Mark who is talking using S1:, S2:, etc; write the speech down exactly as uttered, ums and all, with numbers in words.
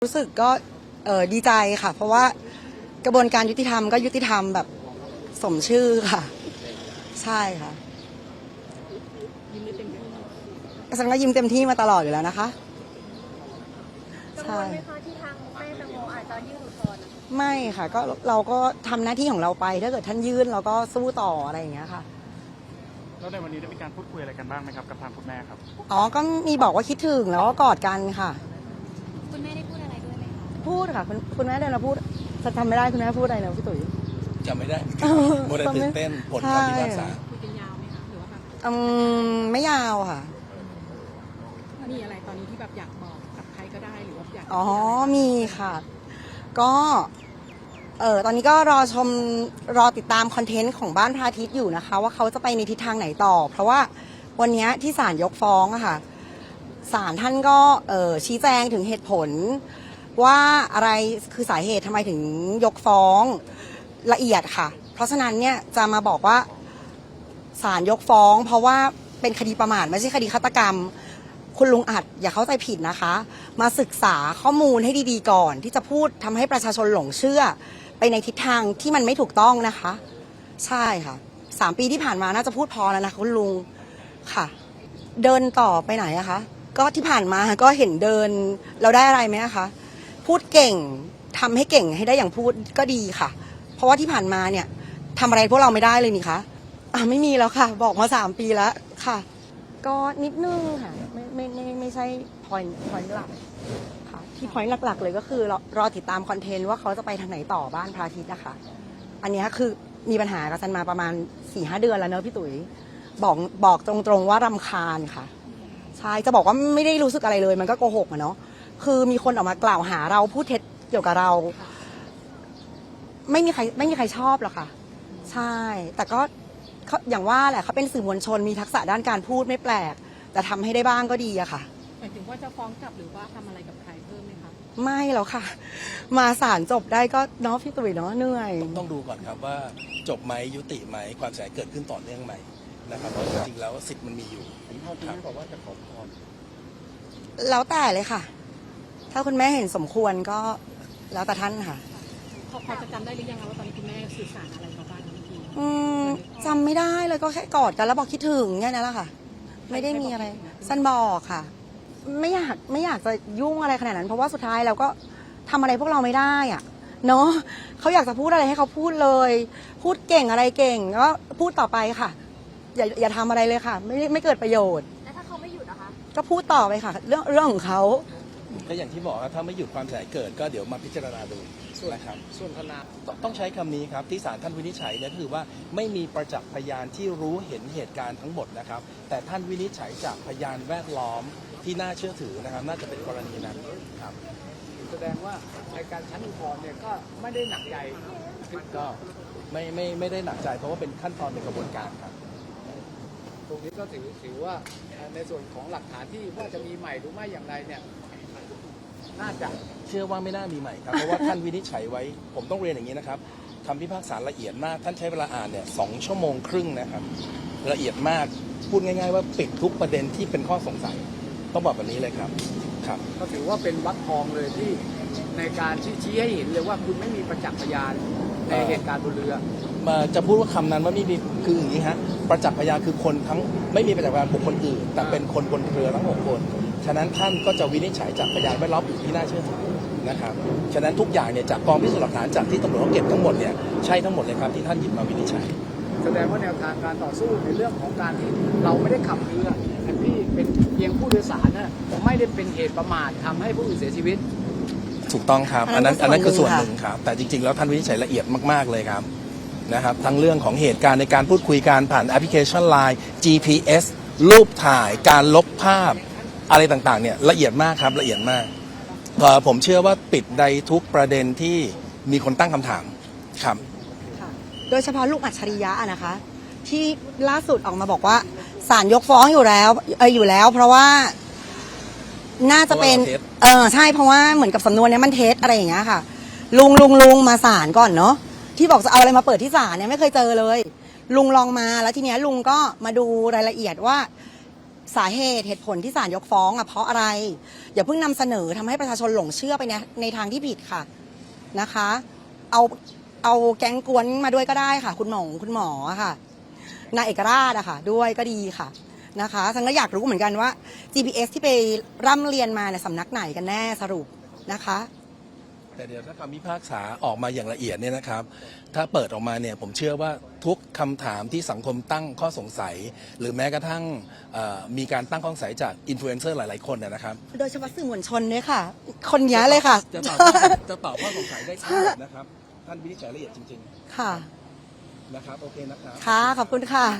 S1: รู้สึกก็เออดีใจค่ะ เพราะว่ากระบวนการยุติธรรมก็ยุติธรรมแบบสมชื่อค่ะใช่ค่ะยิ้มได้เต็มที่ฉันก็ยิ้มเต็มที่มาตลอดอยู่แล้วนะคะ
S2: กังวลไหมคะที่ทางแม่แตงโมอาจจะยื่นอุทธรณ์
S1: ไม่ค่ะก็เราก็ทำหน้าที่ของเราไปถ้าเกิดท่านยื่นเราก็สู้ต่ออะไรอย่างเงี้ยค่ะ
S3: แล้วในวันนี้ได้มีการพูดคุยอะไรกันบ้างไหมครับกับทางคุณแม่ครับ
S1: อ๋อก็มีบอกว่าคิดถึงแล้วก็กอดกันค่ะ
S2: คุณแม่ได้พูดอะไรด้วยไหมคะ
S1: พูดค่ะคุณคุณแม่เดินมาพูดจะจำไม่ได้คุณแม่พูดอะไรนะพี่ตุ๋ย
S4: จำไม่ได้โมเดลตื่นเต้นผลคำพิพากษา
S2: คุยกันยาวไหมคะหรือว่าแบบ
S1: อืมไม่ยาวค่ะ
S2: มีอะไรตอนนี้ที่แบบอยากบอกกับใครก็ได้หรือว่าอยาก
S1: อ๋อมีค่ะก็เออตอนนี้ก็รอชมรอติดตามคอนเทนต์ของบ้านพระอาทิตย์อยู่นะคะว่าเขาจะไปในทิศทางไหนต่อเพราะว่าวันนี้ที่ศาลยกฟ้องอะค่ะศาลท่านก็เออชี้แจงถึงเหตุผลว่าอะไรคือสาเหตุทำไมถึงยกฟ้องละเอียดค่ะเพราะฉะนั้นเนี่ยจะมาบอกว่าศาลยกฟ้องเพราะว่าเป็นคดีประมาทไม่ใช่คดีฆาตกรรมคุณลุงอัดอย่าเข้าใจผิดนะคะมาศึกษาข้อมูลให้ดีๆก่อนที่จะพูดทำให้ประชาชนหลงเชื่อไปในทิศทางที่มันไม่ถูกต้องนะคะใช่ค่ะสามปีที่ผ่านมาน่าจะพูดพอแล้วนะคุณลุงค่ะเดินต่อไปไหนอะคะก็ที่ผ่านมาก็เห็นเดินเราได้อะไรไหมคะพูดเก่งทำให้เก่งให้ได้อย่างพูดก็ดีค่ะเพราะว่าที่ผ่านมาเนี่ยทำอะไรพวกเราไม่ได้เลยนี่คะอ่ะไม่มีแล้วค่ะบอกมาสามปีแล้วค่ะก็นิดนึงค่ะไม่ไม่ไม่ไม่ใช่ point point หลักค่ะที่ point หลักๆเลยก็คือรอรอติดตามคอนเทนต์ว่าเขาจะไปทางไหนต่อบ้านพระอาทิตย์นะคะอันนี้คือมีปัญหากับซันมาประมาณ สี่ห้า เดือนแล้วเนอะพี่ตุ๋ยบอกบอกตรงๆว่ารำคาญค่ะใช่จะบอกว่าไม่ได้รู้สึกอะไรเลยมันก็โกหกอะเนาะคือมีคนออกมากล่าวหาเราพูดเท็จเกี่ยวกับเราไม่มีใครไม่มีใครชอบหรอกค่ะใช่แต่ก็อย่างว่าแหละเขาเป็นสื่อมวลชนมีทักษะด้านการพูดไม่แปลกแต่ทำให้ได้บ้างก็ดีอะค่ะ
S2: หมายถึงว่าจะฟ้องกลับหรือว่าทำอะไรกับใครเพิ่มไหมคะ
S1: ไม่แล้วค่ะมาศาลจบได้ก็เนาะพี่ตุ๋ยเนาะเหนื่อย
S4: ต้องดูก่อนครับว่าจบไหมยุติไหมความเสียหายเกิดขึ้นต่อเนื่องไหมนะครับเพราะจริงๆแล้วสิทธิ์มันมีอยู่ผมพ่อที่บอกว่าจะขอพร
S1: แล้วแต่เลยค่ะถ้าคุณแม่เห็นสมควรก็แล้วแต่ท่านค่ะ
S2: พอพอจะจำได้หรือยังว่าตอนนี้คุณแม่สื่อสารอะไรกับบ้านเมื่อกี้
S1: อืมจำไม่ได้เลยก็แค่กอดกันแล้วบอกคิดถึงแค่นั้นแหละค่ะไม่ได้มีอะไรสั้นบอกค่ะไม่อยากไม่อยากจะยุ่งอะไรขนาดนั้นเพราะว่าสุดท้ายเราก็ทำอะไรพวกเราไม่ได้อ่ะเนาะเขาอยากจะพูดอะไรให้เขาพูดเลยพูดเก่งอะไรเก่งก็พูดต่อไปค่ะอย่าอย่าทำอะไรเลยค่ะไม่ไม่เกิดประโยชน์
S2: แล้วถ้าเขาไม่หยุดนะคะ
S1: ก็พูดต่อไปค่ะเรื่องเรื่องของเขา
S4: ก็อย่างที่บอกว่าถ้าไม่หยุดความเสียหายเกิดก็เดี๋ยวมาพิจารณาดูนะครับส่วนคณะต้องใช้คำนี้ครับที่ศาลท่านวินิจฉัยเนี่ยคือว่าไม่มีประจักษ์พยานที่รู้เห็นเหตุการณ์ทั้งหมดนะครับแต่ท่านวินิจฉัยจากพยานแวดล้อมที่น่าเชื่อถือนะครับน่าจะเป็นกรณีนั้นครับ
S5: แสดงว่าในการชั้นอุทธรณ์เนี่ยก็ไม่ได้หนักใจ
S4: ก็ไม่ไม่ไม่ได้หนักใจเพราะว่าเป็นขั้นตอนในกระบวนการครับ
S5: ตรงนี้ก็ถือถือว่าในส่วนของหลักฐานที่ว่าจะมีใหม่หรือไม่อย่างไรเนี่ยน่าจะ
S4: เชื่อว่าไม่น่ามีใหม่ครับเพราะว่าท่านวินิจฉัยไว้ผมต้องเรียนอย่างนี้นะครับคำพิพากษาละเอียดมากท่านใช้เวลาอ่านเนี่ยสองชั่วโมงครึ่งนะครับละเอียดมากพูดง่ายๆว่าปิดทุกประเด็นที่เป็นข้อสงสัยต้องบอกแบบนี้เลยครับครับ
S5: ก็ถือว่าเป็นวรรคทองเลยที่ในการชี้ให้เห็นเลยว่าคุณไม่มีประจักษ์พยานในเหตุการณ์บนเรือ
S4: มาจะพูดว่าคำนั้นว่าไม่มีคืออย่างนี้ฮะประจักษ์พยานคือคนทั้งไม่มีประจักษ์พยานบุคคลอื่นแต่เป็นคนบนเรือทั้งหกคนฉะนั้นท่านก็จะวินิจฉัยจากพยานแวดล้อมอื่นที่น่าเชื่อถือนะครับฉะนั้นทุกอย่างเนี่ยจากกองพิสูจน์หลักฐานจากที่ตำรวจเขาเก็บทั้งหมดเนี่ยใช่ทั้งหมดเลยครับที่ท่านหยิบมาวินิจฉัย
S5: แสดงว่าแนวทางการต่อสู้ในเรื่องของการที่เราไม่ได้ขับเรือแต่พี่เป็นเพียงผู้โดยสารนะไม่ได้เป็นเหตุประมาททำให้ผู้อื่นเสียชีวิต
S4: ถูกต้องครับอันนั้นอันนั้นคือส่วนหนึ่งครับแต่จริงๆแล้วท่านวินิจฉัยละเอียดมากๆเลยครับนะครับทั้งเรื่องของเหตุการณ์ในการพูดคุยการผ่านแอปพลิเคชัน ไลน์ จี พี เอส รูปถ่ายการลบภาพอะไรต่างๆเนี่ยละเอียดมากครับละเอียดมากผมเชื่อว่าปิดในทุกประเด็นที่มีคนตั้งคำถามครับ
S1: โดยเฉพาะลูกอัจฉริยะนะคะที่ล่าสุดออกมาบอกว่าศาลยกฟ้องอยู่แล้วเอออยู่แล้วเพราะว่าน่าจะเป็นเออใช่เพราะว่าเหมือนกับสำนวนนี้มันเท็จอะไรอย่างเงี้ยค่ะลุงลุงลุงมาศาลก่อนเนาะที่บอกจะเอาอะไรมาเปิดที่ศาลเนี่ยไม่เคยเจอเลยลุงลองมาแล้วทีเนี้ยลุงก็มาดูรายละเอียดว่าสาเหตุเหตุผลที่ศาลยกฟ้องอ่ะเพราะอะไร อย่าเพิ่งนำเสนอทำให้ประชาชนหลงเชื่อไปในในทางที่ผิดค่ะนะคะ เอาเอาแก๊งกวนมาด้วยก็ได้ค่ะ คุณหมอคุณหมอค่ะนายเอกราชอะค่ะ ด้วยก็ดีค่ะนะคะฉันก็อยากรู้เหมือนกันว่า จี พี เอส ที่ไปร่ำเรียนมาเนี่ยสำนักไหนกันแน่สรุปนะคะ
S4: แต่เดี๋ยวถ้าคำพิพากษาออกมาอย่างละเอียดเนี่ยนะครับ ถ้าเปิดออกมาเนี่ยผมเชื่อว่าทุกคำถามที่สังคมตั้งข้อสงสัย หรือแม้กระทั่งเอ่อมีการตั้งข้อสงสัยจากอินฟลูเอนเซอร์หลายๆคนนะนะครับ
S1: โดยเฉพาะสื่อมวลชนเนี่ยค่ะ คนนี้เลยค่ะ
S4: จะตอบจะตอบข้อสงสัยได้ทั้งหมดนะครับ ท่านวินิจฉัยละเอียดจริง
S1: ค่ะ
S4: ๆนะครับโอเคนะครับ
S1: ค่ะขอบคุณค่ะ